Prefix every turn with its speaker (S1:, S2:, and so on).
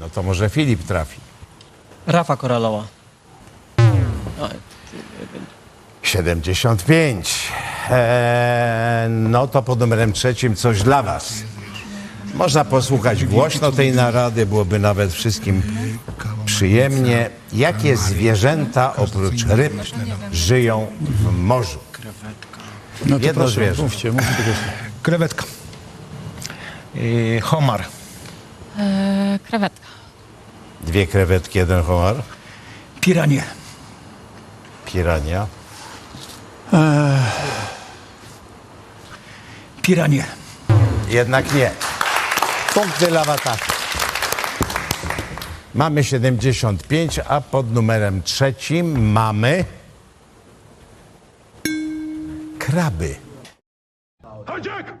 S1: No to może Filip trafi.
S2: Rafa koralowa.
S1: 75. No to pod numerem 3 coś dla was. Można posłuchać głośno tej narady, byłoby nawet wszystkim przyjemnie. Jakie zwierzęta oprócz ryb żyją w morzu?
S3: No to
S1: Jedno
S3: proszę,
S1: zwierzę.
S3: mówcie tego.
S4: Krewetka. Homar.
S5: Krewetka.
S1: 2 krewetki, 1 homar.
S4: Piranie.
S1: Pirania.
S4: Piranie.
S1: Jednak nie. Punkty dla Wataha. Mamy 75, a pod numerem 3 mamy kraby.
S6: Hijack!